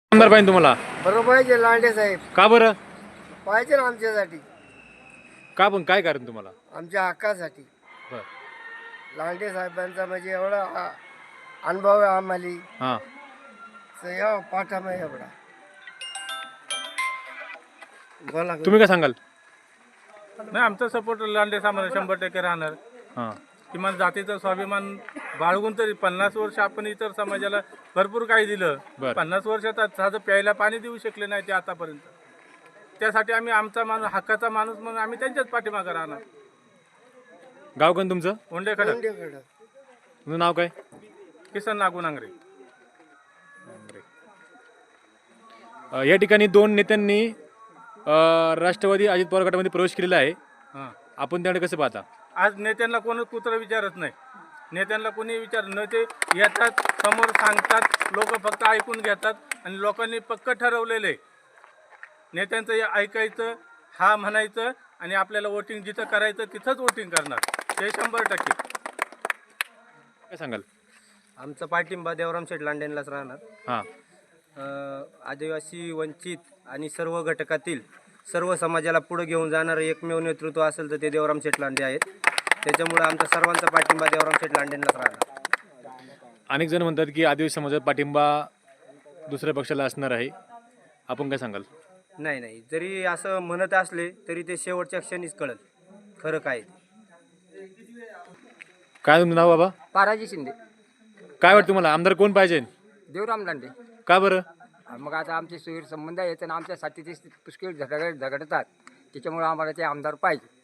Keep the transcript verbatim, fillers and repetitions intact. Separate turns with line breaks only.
आमदार पाहिजे तुम्हाला?
बरोबर पाहिजे लांडे साहेब
का बरं?
पाहिजे ना आमच्यासाठी,
का पण काय कारण तुम्हाला?
आमच्या हक्कासाठी.
बर.
लांडे साहेबांचा म्हणजे एवढा आ- अनुभव आहे आम्हाला,
हां.
तर या पाठामा एवढा. बोला
तुम्ही काय सांगाल?
नाही, आमचा सपोर्ट लांडे साहेबांना शंभर टक्के राहणार.
हां.
किमान जातीचा स्वाभिमान बाळगून तरी पन्नास वर्ष आपण इतर समाजाला भरपूर काही दिलं.
बरं.
पन्नास वर्षात साधं प्यायला पाणी देऊ शकले नाही ते आतापर्यंत. त्यासाठी आम्ही आमचा माणूस, हक्काचा माणूस म्हणून आम्ही त्यांच्याच पाठीमागे राहणार.
गाव कोण तुमचं?
ओंडेकडं
लांडेकडं.
तुमचं नाव काय?
किसन नागू नांगरे.
अ, या ठिकाणी दोन नेत्यांनी अ, राष्ट्रवादी अजित पवार गटामध्ये प्रवेश केलेला आहे.
हां,
आपण त्याकडे कसं पाहता?
आज नेत्यांना कोणी कुत्र विचारत नाही. नेत्यांना कोणी विचार न, ते येतात समोर सांगतात, लोक फक्त ऐकून घेतात आणि लोकांनी पक्क ठरवलेले नेत्यांचं हे ऐकायचं, हा म्हणायचं आणि आपल्याला वोटिंग जिथं करायचं तिथंच वोटिंग करणार, ते शंभर टक्के.
काय सांगाल?
आमचा पाठिंबा देवराम शेठ लांडेंलाच राहणार.
हां.
अ, आदिवासी, वंचित आणि सर्व घटकातील सर्व समाजाला पुढे घेऊन जाणारं एकमेव नेतृत्व असेल तर ते देवराम शेठ लांडे आहेत. त्याच्यामुळे आमचा सर्वांचा पाठिंबा देवराम शेठ लांडेंलाच राहणार.
अनेक जण म्हणतात की आदिवासी समाजाचा पाठिंबा दुसऱ्या पक्षाला असणार आहे. आपण काय सांगाल?
नाही नाही, जरी असं म्हणत असले तरी ते शेवटच्या क्षणीच कळेल खरं काय ते.
काय तुमचं नाव बाबा?
पाराजी शिंदे.
काय वाटतं तुम्हाला आमदार कोण पाहिजे?
देवराम लांडे.
का बरं?
मग आता आमचे सुहीर संबंध आहेत आणि आमच्यासाठी ते पुष्कळ झगड झगडतात, त्याच्यामुळे आम्हाला ते आमदार पाहिजे.